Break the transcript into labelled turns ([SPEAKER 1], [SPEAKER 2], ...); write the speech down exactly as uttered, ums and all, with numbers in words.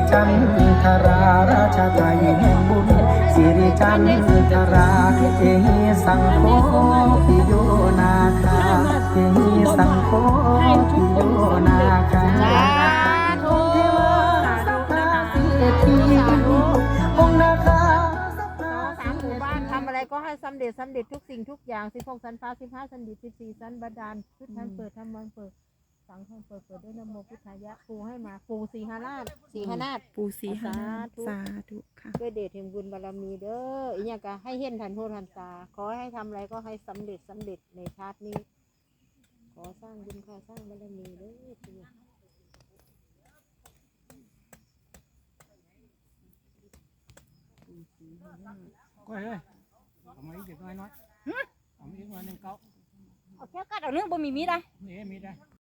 [SPEAKER 1] จันทราราชาไทยแห่งบุญสิริจันทราเอหิสังโฆปิโยนาคาเอหิสังโฆปิโยนาคาองค์เทวาสัพพะเศรษฐีองค์นาคา
[SPEAKER 2] สามหมู่บ้านทำอะไรก็ให้สำเร็จสำเร็จทุกสิ่งทุกอย่างสิบหกสันฟ้าสิบห้าสันดิบสิบสี่สันบาดาลพุทธันเปิดธรรมันเปิดสังฆันเปิดเปิดด้วยนะโมพุทธายะปูให้มาปูสีหาราชสีหาราช
[SPEAKER 3] ปูสีหาสาธุค่ะ
[SPEAKER 2] ด้วยเดชแห่งบุญบารมีเด้ออีเนี่ยก็ให้เห็นทันโททันตาขอให้ทำอะไรก็ให้สำเร็จสำเร็จในชาตินี้ขอสร้างบุญค่าสร้างบารมีเด้อที
[SPEAKER 4] ก้อยเอ้ยเอามาอีกเด็กน้อยน้อยเอามาอีกหน่อยหนึ่งเก้า
[SPEAKER 2] เอาแค่กัดเอาเรื่องบ่มีมีได้
[SPEAKER 4] นี่มีได้